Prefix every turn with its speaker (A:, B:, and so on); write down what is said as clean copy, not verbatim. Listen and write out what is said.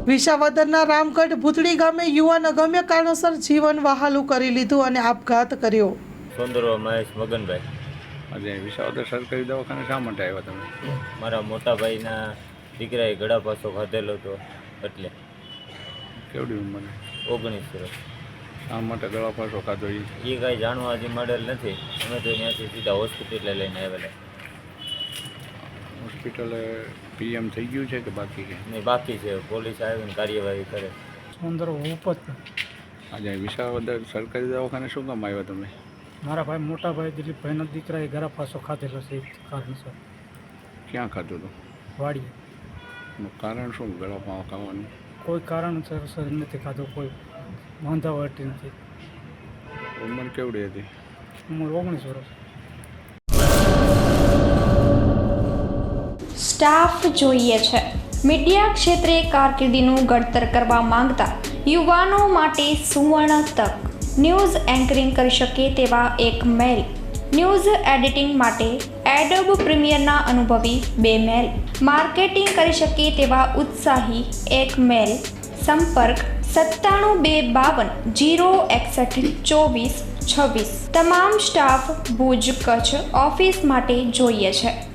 A: વિસાવદરના રામગઢ ભૂતળી ગામે યુવાન અગમ્ય કારણોસર જીવન વહાલું કરી લીધું અને આપઘાત કર્યો.
B: સોંદરો મહેશ મગનભાઈ.
C: આજે વિસાવદર સરકારી દવાખાને શા માટે આવ્યા તમે?
B: મારા મોટા ભાઈના દીકરાએ ગળા પાસો ખાધેલો હતો એટલે.
C: કેવડી ઉંમર?
B: 19 વર્ષ.
C: શા માટે ગળા પાસો ખાધો?
B: એ કાંઈ જાણવા હજી મળેલ નથી. અમે તો ત્યાંથી સીધા હોસ્પિટલે લઈને આવેલા.
C: હોસ્પિટલે પીએમ થઈ ગયું છે કે બાકી છે?
B: નહીં, બાકી છે. પોલીસ આવીને કાર્યવાહી કરે.
D: સુંદર ઉપજ.
C: આજે વિસાવદર સરકારી દવાખાને શું કામ આવ્યા તમે?
D: મારા ભાઈ મોટા ભાઈ દિલીપભાઈના દીકરાએ ગળા પાસો ખાધેલો છે. એ કારણસર
C: ક્યાં ખાધું હતું?
D: વાડીએ.
C: એનું કારણ શું ગળા પાવ ખાવાનું?
D: કોઈ કારણસર નથી ખાધો. કોઈ વાંધાવટી નથી.
C: ઉંમર કેવડી હતી?
D: ઉંમર 19 વર્ષ.
E: સ્ટાફ જોઈએ છે. મીડિયા ક્ષેત્રે કારકિર્દીનું ઘડતર કરવા માંગતા યુવાનો માટે સુવર્ણ તક. ન્યૂઝ એન્કરિંગ કરી શકે તેવા એક મેલ. ન્યૂઝ એડિટિંગ માટે એડોબ પ્રીમિયરના અનુભવી 2 મેલ. માર્કેટિંગ કરી શકે તેવા ઉત્સાહી 1 મેલ. સંપર્ક 972520612426. તમામ સ્ટાફ ભુજ કચ્છ ઓફિસ માટે જોઈએ છે.